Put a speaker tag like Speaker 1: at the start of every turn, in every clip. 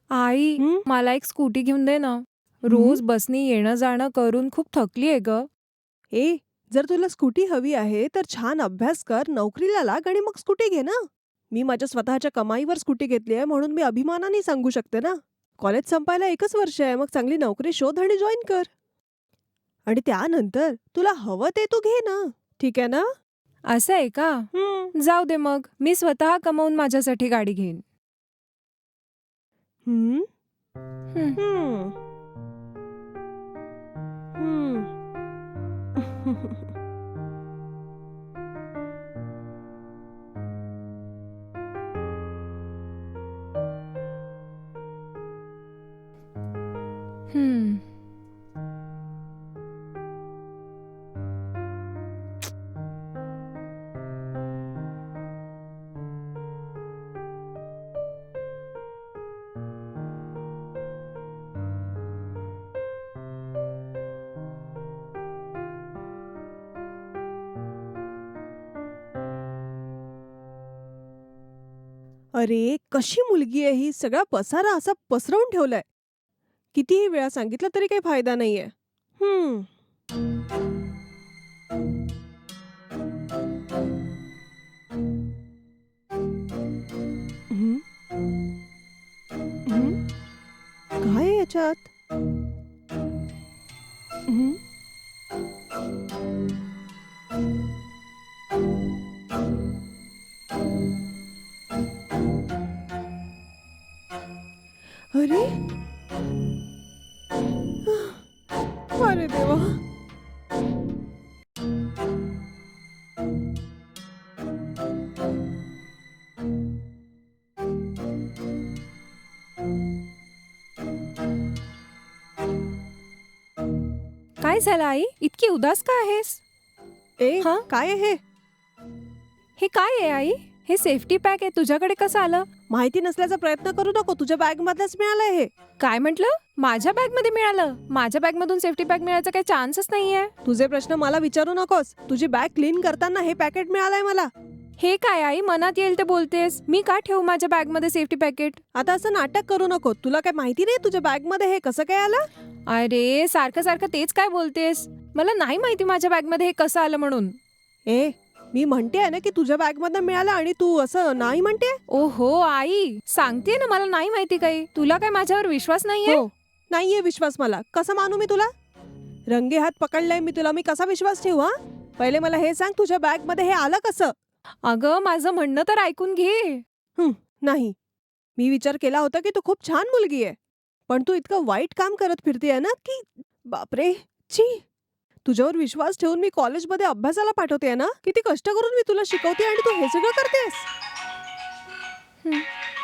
Speaker 1: आई,
Speaker 2: हं?
Speaker 1: मला एक स्कूटी घेऊन दे ना. रोज बसनी येणं जाणं करून खूप थकलीये ग.
Speaker 2: ए, जर तुला स्कूटी हवी आहे तर छान अभ्यास कर, नोकरीला लाग आणि मग स्कूटी घे ना. मी माझ्या स्वतःच्या कमाईवर स्कूटी घेतली आहे म्हणून मी अभिमानाने सांगू शकते ना. कॉलेज संपायला 1च वर्ष आहे, मग चांगली नोकरी शोध आणि जॉइन कर. आणि त्यानंतर तुला हवं ते तू घे ना. ठीक आहे ना?
Speaker 1: असं आहे का?
Speaker 2: हं.
Speaker 1: जाऊ दे मग. मी स्वतः कमावून माझ्यासाठी गाडी घेईन.
Speaker 2: हं?
Speaker 1: हं.
Speaker 2: हं. हं.
Speaker 1: हं.
Speaker 2: अरे, कशी मुलगी आहे ही? सगळा पसारा असा पसरवून ठेवलाय. कितीही वेळा सांगितलं तरी काही फायदा नाहीये. हं. हं, हं. काय आहे याच्यात? हं. अरे! अरे देवा!
Speaker 1: काय झालं आई? इतकी उदास का आहेस?
Speaker 2: ए,
Speaker 1: हां?
Speaker 2: काय आहे हे?
Speaker 1: हे काय आहे आई? हे सेफ्टी पॅक आहे. तुझ्याकडे कसं आलं?
Speaker 2: माहिती नसल्याचा प्रयत्न करू नको. तुझ्या बॅगमधलंच मिळालंय हे.
Speaker 1: काय म्हटलं? माझ्या बॅगमध्ये मिळालं? माझ्या बॅगमधून सेफ्टी पॅक मिळायचा काही चान्सच नाहीये.
Speaker 2: तुझे प्रश्न मला विचारू नकोस. तुझी बॅग क्लीन करताना हे पॅकेट मिळालंय मला.
Speaker 1: हे काय आई? मनात येईल ते बोलतेस. मी का ठेवू माझ्या बॅगमध्ये सेफ्टी पॅकेट?
Speaker 2: आता असं नाटक करू नको. तुला काय माहिती नाही तुझ्या बॅगमध्ये हे कसं काय आलं?
Speaker 1: अरे, सारखं सारखं तेच काय बोलतेस? मला नाही माहिती माझ्या बॅगमध्ये हे कसं आलं म्हणून.
Speaker 2: ए, मी म्हणतेय ना की तुझ्या बॅगमधनं मिळालं आणि तू असं नाही म्हणते?
Speaker 1: ओहो आई, सांगतेय ना मला नाही माहिती काही. तुला काय माझ्यावर विश्वास नाहीये?
Speaker 2: हो. नाहीये विश्वास मला. कसं मानू मी तुला? रंगे हात पकडलाय मी तुला. मी कसा विश्वास ठेवू हा? पहिले मला हे सांग तुझ्या बॅगमध्ये हे आलं कसं?
Speaker 1: अगं, माझं म्हणणं तर ऐकून घे.
Speaker 2: नाही. मी विचार केला होता की तू खूप छान मुलगी आहे. पण तू इतकं वाईट काम करत फिरतेय ना की बापरे! छी! तुझ्यावर विश्वास ठेवून मी कॉलेजमध्ये अभ्यासाला पाठवतेय ना? किती कष्ट करून मी तुला शिकवते आणि तू हे सगळं करतेस?
Speaker 1: हं.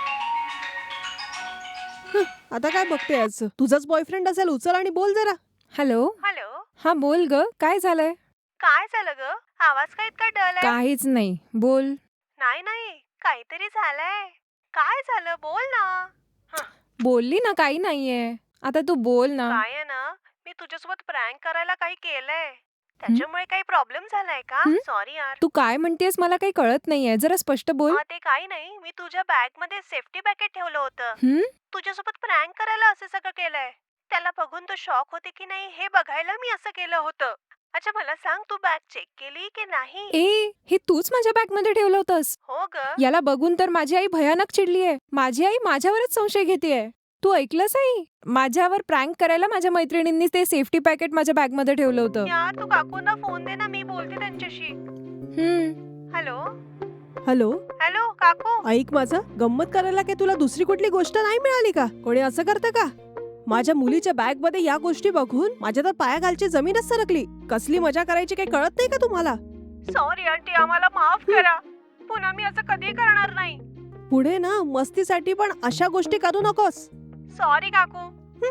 Speaker 2: आता काय बघतेयस? तुझाच बॉयफ्रेंड असेल, उचल आणि बोल जरा.
Speaker 1: हॅलो?
Speaker 3: हॅलो.
Speaker 1: हा बोल ग, काय झालंय?
Speaker 3: काय झालं ग? आवाज का इतका डल आहे?
Speaker 1: काहीच नाही, बोल.
Speaker 3: नाही नाही, काहीतरी झालंय. काय झालं? बोल ना. हं,
Speaker 1: बोलली ना काही नाहीये. आता तू बोल ना.
Speaker 3: काय आहे ना, मी तुझ्यासोबत प्रँक करायला काही केलंय. त्याच्यामुळे काही प्रॉब्लेम झालाय का?
Speaker 1: हं?
Speaker 3: सॉरी यार.
Speaker 1: तू काय म्हणतेस मला काही कळत नाहीये. जरा स्पष्ट बोल.
Speaker 3: ते काही नाही, मी तुझ्या बॅग मध्ये सेफ्टी पॅकेट ठेवलं होतं.
Speaker 1: हं?
Speaker 3: तुझ्यासोबत प्रँक करायला असं सगळं केलंय. त्याला बघून तू शॉक होते की नाही हे बघायला मी असं केलं होतं. अच्छा मला सांग, तू बॅग चेक केली की नाही?
Speaker 1: ए, हे तूच माझ्या बॅगमध्ये ठेवलं होतंस.
Speaker 3: हो ग.
Speaker 1: याला बघून तर माझी आई भयानक चिडलीये. माझी आई माझ्यावरच संशय घेतेय. तू ऐकलंस आई? माझ्यावर प्रँक करायला माझ्या मैत्रिणींनी ते सेफ्टी पॅकेट माझ्या बॅगमध्ये ठेवलं होतं.
Speaker 3: यार तू काकूंना फोन दे ना, मी बोलते त्यांच्याशी. हॅलो.
Speaker 2: हॅलो?
Speaker 3: हॅलो काकू.
Speaker 2: ऐक माझं, गंमत करायला काय तुला दुसरी कुठली गोष्ट नाही मिळाली का? कोणी असं करतं का? माझ्या मुलीच्या बॅगमध्ये या गोष्टी बघून माझ्या तर पायाखालची जमीनच सरकली. कसली मजा करायची काही कळत नाही का तुम्हाला?
Speaker 3: सॉरी आंटी, आम्हाला माफ करा. पुन्हा मी असं कधी करणार नाही.
Speaker 2: पुढे ना मस्तीसाठी पण अशा गोष्टी करू नकोस.
Speaker 3: सॉरी काकू.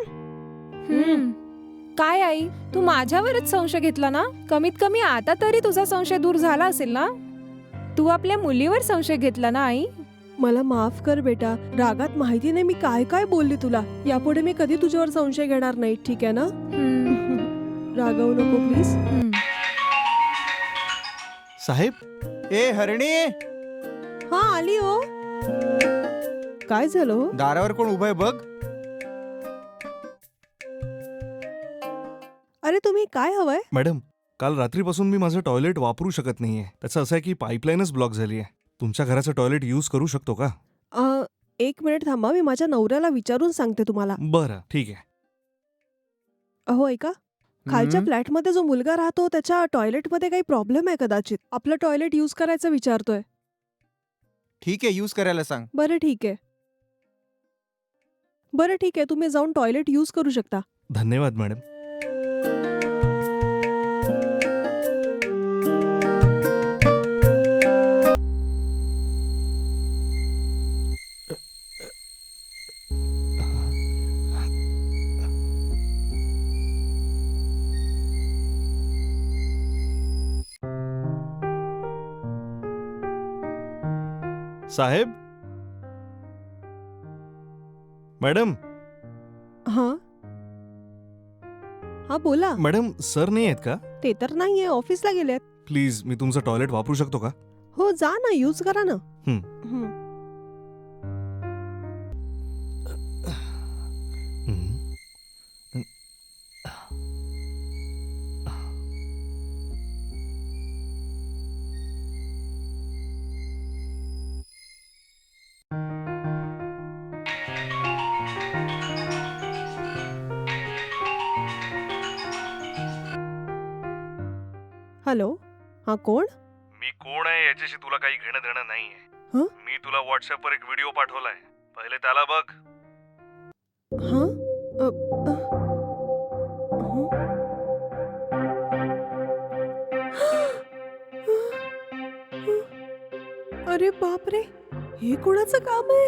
Speaker 1: काय आई, तू माझ्यावरच संशय घेतला ना? कमीत कमी आता तरी तुझा संशय दूर झाला असेल ना? तू आपल्या मुलीवर संशय घेतला ना आई?
Speaker 2: मला माफ कर बेटा. रागात माहिती नाही मी काय काय बोलली तुला. यापुढे मी कधी तुझ्यावर संशय घेणार नाही, ठीक आहे ना? रागवू नको प्लीज.
Speaker 4: साहेब, ए हरणी,
Speaker 2: हा आली हो. काय झालं हो?
Speaker 4: दारावर कोण उभं आहे बघ.
Speaker 2: अरे तुम्ही काय हवंय?
Speaker 5: मॅडम, काल रात्रीपासून मी माझं टॉयलेट वापरू शकत नाहीये. त्याचं असं आहे की पाईपलाईनच ब्लॉक झाली आहे. तुमच्या घराचं टॉयलेट यूज करू शकतो का?
Speaker 2: एक मिनिट थांबा, मी माझ्या नवऱ्याला विचारून सांगते तुम्हाला.
Speaker 5: बरं, ठीक आहे.
Speaker 2: अहो ऐका, खालच्या
Speaker 4: हम्म.
Speaker 2: फ्लॅटमध्ये जो मुलगा राहतो त्याच्या टॉयलेटमध्ये काही प्रॉब्लेम आहे कदाचित. आपलं टॉयलेट यूज करायचं विचारतोय.
Speaker 4: ठीक आहे, यूज करायला सांग.
Speaker 2: बरं ठीक आहे. बरं ठीक आहे, तुम्ही जाऊन टॉयलेट यूज करू शकता.
Speaker 5: धन्यवाद मॅडम. साहेब, मॅडम,
Speaker 2: हां हां बोला.
Speaker 5: मॅडम सर नाही आहेत का?
Speaker 2: ते तर नाहीये, ऑफिसला गेलेत.
Speaker 5: प्लीज, मी तुमचं टॉयलेट वापरू शकतो का?
Speaker 2: हो जा ना, यूज करा ना.
Speaker 5: हं.
Speaker 2: हं.
Speaker 5: हं.
Speaker 2: हॅलो, हां कोण?
Speaker 5: मी कोण आहे याच्याशी तुला काही घेणं देणं नाहीये.
Speaker 2: हं?
Speaker 5: मी तुला व्हॉट्सअपवर एक व्हिडिओ पाठवलाय. पहिले त्याला बघ.
Speaker 2: हां अ, अ, हं? अरे बापरे, हे कोणाचं काम आहे?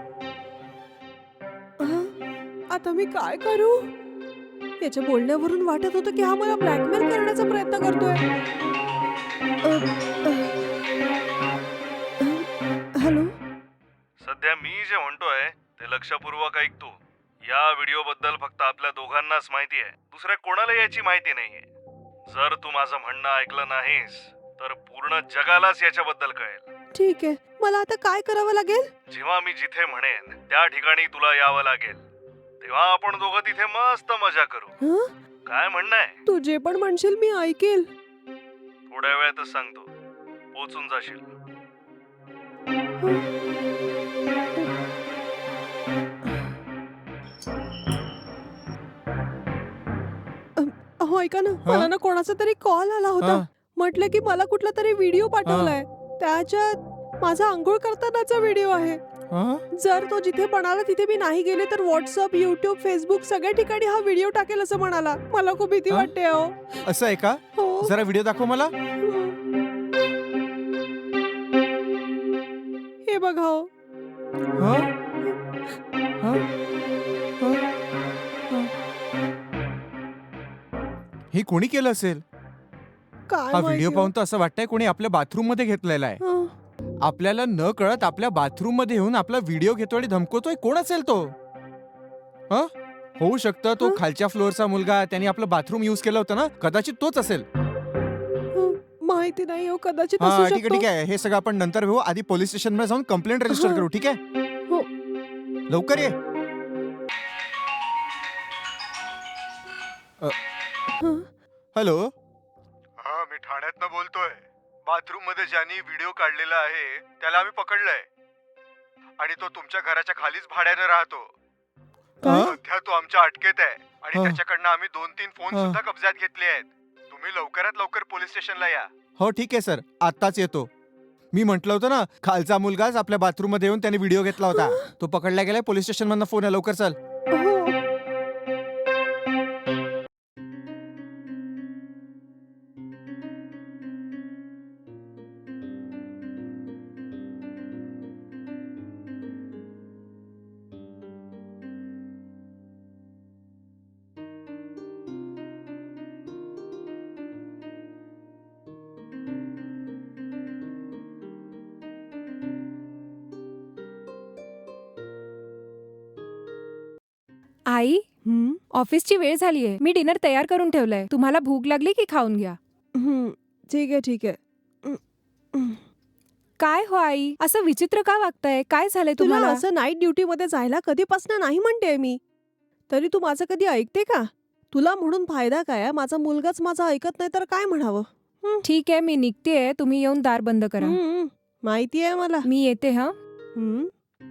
Speaker 2: आता मी काय करू? याच्या बोलण्यावरून वाटत होतं की हा मला ब्लॅकमेल करण्याचा प्रयत्न करतोय. हॅलो.
Speaker 5: सध्या मी जे म्हणतोय ते लक्षपूर्वक ऐक तू. या व्हिडिओ बद्दल फक्त आपल्या दोघांनाच माहिती आहे. दुसऱ्या कोणाला याची माहिती नाहीये. जर तू माझं म्हणणं ऐकलं नाहीस तर पूर्ण जगालाच याच्याबद्दल कळेल.
Speaker 2: ठीक आहे, मला आता काय करावं लागेल?
Speaker 5: जेव्हा मी जिथे म्हणेन त्या ठिकाणी तुला यावं लागेल. तेव्हा आपण दोघं तिथे मस्त मजा करू.
Speaker 2: हं?
Speaker 5: काय म्हणणं आहे?
Speaker 2: तू जे पण म्हणशील मी ऐकेल.
Speaker 5: थोड्या वेळातच सांगतो. पोचून जाशील.
Speaker 2: अहो ऐका ना, मला ना कोणाचा तरी कॉल आला होता.
Speaker 4: हं.
Speaker 2: म्हटलं की मला कुठला तरी व्हिडिओ पाठवलाय. त्याच्यात माझा आंघोळ करतानाचा व्हिडिओ आहे.
Speaker 4: हं?
Speaker 2: जर तो जिथे म्हणाला तिथे मी नाही गेले तर व्हॉट्सअप, युट्यूब, फेसबुक सगळ्या ठिकाणी हा व्हिडिओ टाकेल असं म्हणाला. मला खूप भीती
Speaker 4: हं?
Speaker 2: वाटते अहो.
Speaker 4: असं आहे का?
Speaker 2: हो.
Speaker 4: जरा व्हिडिओ दाखव मला.
Speaker 2: हे बघा हो.
Speaker 4: हं? हं? हं? हं? हे कोणी केलं असेल?
Speaker 2: काय
Speaker 4: हा व्हिडिओ
Speaker 2: माहिती हो.
Speaker 4: पाहून तर असं वाटतंय कोणी आपल्या बाथरूम मध्ये घेतलेला आहे.
Speaker 2: हं.
Speaker 4: आपल्याला न कळत आपल्या बाथरूम मध्ये येऊन आपला व्हिडिओ घेतो आणि धमकवतोय. कोण असेल तो? हं? होऊ शकतं तो
Speaker 2: हं?
Speaker 4: खालच्या फ्लोअरचा मुलगा, त्याने आपलं बाथरूम युज केलं होतं ना, कदाचित तोच असेल.
Speaker 2: माहिती नाही हो, कदाचित
Speaker 4: हा
Speaker 2: असू
Speaker 4: ठीक आहे
Speaker 2: शकतो.
Speaker 4: ठीक आहे, हे सगळं आपण नंतर घेऊ. आधी पोलीस स्टेशन मध्ये जाऊन कंप्लेंट रजिस्टर
Speaker 2: हं.
Speaker 4: करू. ठीक आहे,
Speaker 2: हो.
Speaker 4: लवकर ये.
Speaker 2: हं?
Speaker 4: हॅलो.
Speaker 5: हा, मी ठाण्यातनं बोलतोय. बाथरूम मध्ये ज्यांनी व्हिडिओ काढलेला आहे त्याला आम्ही पकडलंय आणि तो तुमच्या घराच्या खालीच भाड्यानं राहतो.
Speaker 2: काय?
Speaker 5: सध्या तो आमच्या अटकेत आहे आणि
Speaker 4: हं.
Speaker 5: त्याच्याकडनं आम्ही 2-3 फोन
Speaker 4: हं.
Speaker 5: सुद्धा कब्जात घेतले आहेत. तुम्ही लवकरात लवकर पोलीस स्टेशनला या.
Speaker 4: हो ठीक आहे सर, आत्ताच येतो. मी म्हटलं होतं ना, खालचा मुलगाच आपल्या बाथरूम मध्ये येऊन त्याने व्हिडिओ घेतला होता. तो पकडला गेलाय. पोलीस स्टेशन मधनं फोन आहे, लवकर चल.
Speaker 2: हो.
Speaker 1: आई,
Speaker 2: हं?
Speaker 1: ऑफिसची वेळ झालीये. मी डिनर तयार करून ठेवलंय. तुम्हाला भूक लागली की खाऊन घ्या.
Speaker 2: हं. ठीक आहे ठीक आहे.
Speaker 1: काय हो आई, असं विचित्र का वागताय? काय झालंय
Speaker 2: तुला
Speaker 1: तुम्हाला?
Speaker 2: असं नाईट ड्युटी मध्ये जायला कधीपासून नाही म्हणते मी, तरी तू माझं कधी ऐकते का? तुला म्हणून फायदा काय आहे? माझा मुलगाच माझं ऐकत नाही तर काय म्हणावं?
Speaker 1: ठीक आहे, मी निघतेय. तुम्ही येऊन दार बंद करा.
Speaker 2: माहिती आहे मला.
Speaker 1: मी येते हा.
Speaker 2: हम्म.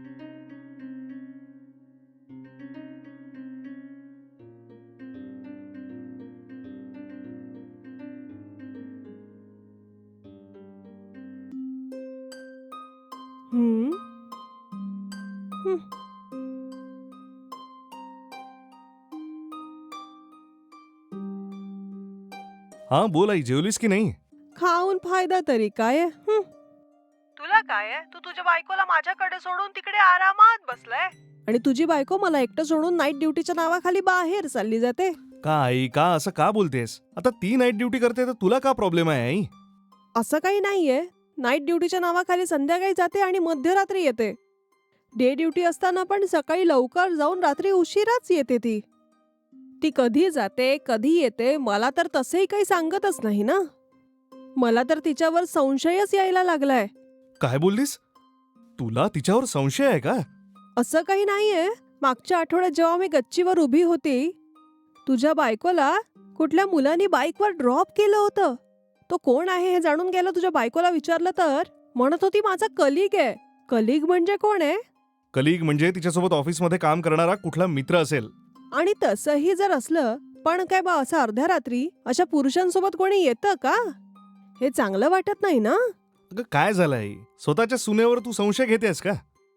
Speaker 2: हम्म.
Speaker 5: हा बोल आई, जेवलीस की नाही?
Speaker 2: खाऊन फायदा तरी काय आहे?
Speaker 3: तुला काय आहे? तू तुझ्या बायकोला माझ्याकडे सोडून तिकडे आरामात बसलाय.
Speaker 2: आणि तुझी बायको मला एकटं सोडून नाईट ड्युटीच्या नावाखाली बाहेर चालली जाते.
Speaker 5: का आई, का असं का बोलतेस? आता ती नाईट ड्युटी करते तर तुला का प्रॉब्लेम आहे आई?
Speaker 2: असं काही नाहीये. नाईट ड्युटीच्या नावाखाली संध्याकाळी जाते आणि मध्यरात्री येते. डे ड्युटी असताना पण सकाळी लवकर जाऊन रात्री उशिराच येते ती. ती कधी जाते कधी येते मला तर तसंही काही सांगतच नाही ना. मला तर तिच्यावर संशयच यायला लागलाय.
Speaker 5: काय बोललीस? तुला तिच्यावर संशय आहे का?
Speaker 2: असं काही नाहीये. मागच्या आठवड्यात जेव्हा मी गच्चीवर उभी होती, तुझ्या बायकोला कुठल्या मुलांनी बाईकवर ड्रॉप केलं होतं. तो कोण आहे हे जाणून घ्यायला तुझ्या बायकोला विचारलं तर म्हणत होती माझा कलिग आहे. कलिग म्हणजे कोण आहे?
Speaker 5: कलिग म्हणजे तिच्यासोबत ऑफिसमध्ये काम करणारा कुठला मित्र असेल.
Speaker 2: आणि तसंही जर असलं, पण काय बा असं अर्ध्या रात्री अशा पुरुषांसोबत कोणी येतं का? हे चांगलं वाटत नाही ना.
Speaker 5: अगं काय झालं आई? स्वतःच्या सुनेवर तू संशय घेतेस का?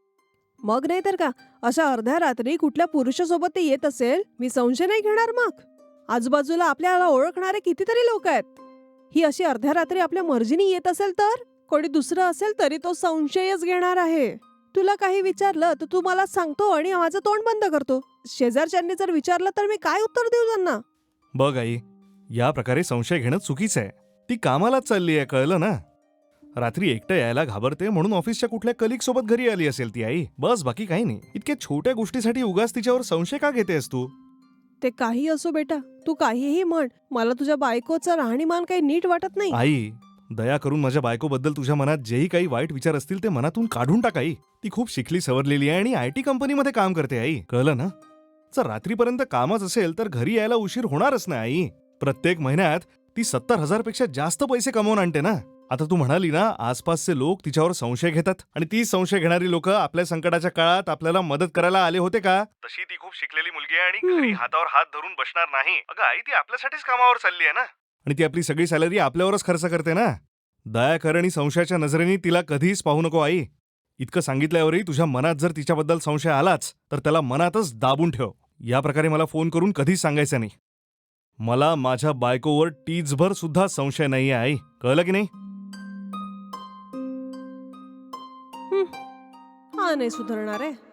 Speaker 2: मग नाही तर का, अशा अर्ध्या रात्री कुठल्या पुरुषासोबत ते येत असेल, मी संशय नाही घेणार मग. आजूबाजूला आपल्याला ओळखणारे कितीतरी लोक आहेत. ही अशी अर्ध्या रात्री आपल्या मर्जीने येत असेल तर कोणी दुसरं असेल तरी तो संशयच घेणार आहे. तुला काही विचारलं तर तू मला सांगतो आणि माझं तोंड बंद करतो. शेजारच्यांनी जर विचारलं तर मी काय उत्तर देऊ त्यांना?
Speaker 5: बघ आई, या प्रकारे संशय घेणं चुकीचं आहे. ती कामालाच चालली आहे, कळलं ना? रात्री एकटं यायला घाबरते म्हणून ऑफिसच्या कुठल्या कलिग सोबत घरी आली असेल ती आई. बस, बाकी काही नाही. इतक्या छोट्या गोष्टीसाठी उगाच तिच्यावर संशय का घेतेस तू?
Speaker 2: ते काही असो बेटा, तू काहीही म्हण, मला तुझ्या बायकोचं राहणीमान काही नीट वाटत नाही.
Speaker 5: आई, दया करून माझ्या बायकोबद्दल तुझ्या मनात जेही काही वाईट विचार असतील ते मनातून काढून टाक आई. ती खूप शिकली सवरलेली आहे आणि IT कंपनीमध्ये काम करते आई, कळलं ना? जर रात्रीपर्यंत कामच असेल तर घरी यायला उशीर होणारच ना आई. प्रत्येक महिन्यात ती 70,000 पेक्षा जास्त पैसे कमवून आणते ना. आता तू म्हणाली ना, आसपासचे लोक तिच्यावर संशय घेतात आणि ती संशय घेणारी लोक आपल्या संकटाच्या काळात आपल्याला मदत करायला आले होते का? तशी ती खूप शिकलेली मुलगी आहे आणि घरी हातावर हात धरून बसणार नाही. अगं आई, ती आपल्यासाठीच कामावर चालली आहे ना. आणि ती आपली सगळी सॅलरी आपल्यावरच खर्च करते ना. दया कर आणि संशयाच्या नजरेने तिला कधीच पाहू नको आई. इतकं सांगितल्यावरही तुझ्या मनात जर तिच्याबद्दल संशय आलाच तर त्याला मनातच दाबून ठेव. या प्रकारे मला फोन करून कधीच सांगायचं नाही. मला माझ्या बायकोवर टीचभर सुद्धा संशय नाहीये आई, कळलं की नाही?
Speaker 2: हा नाही सुधारणार आहे.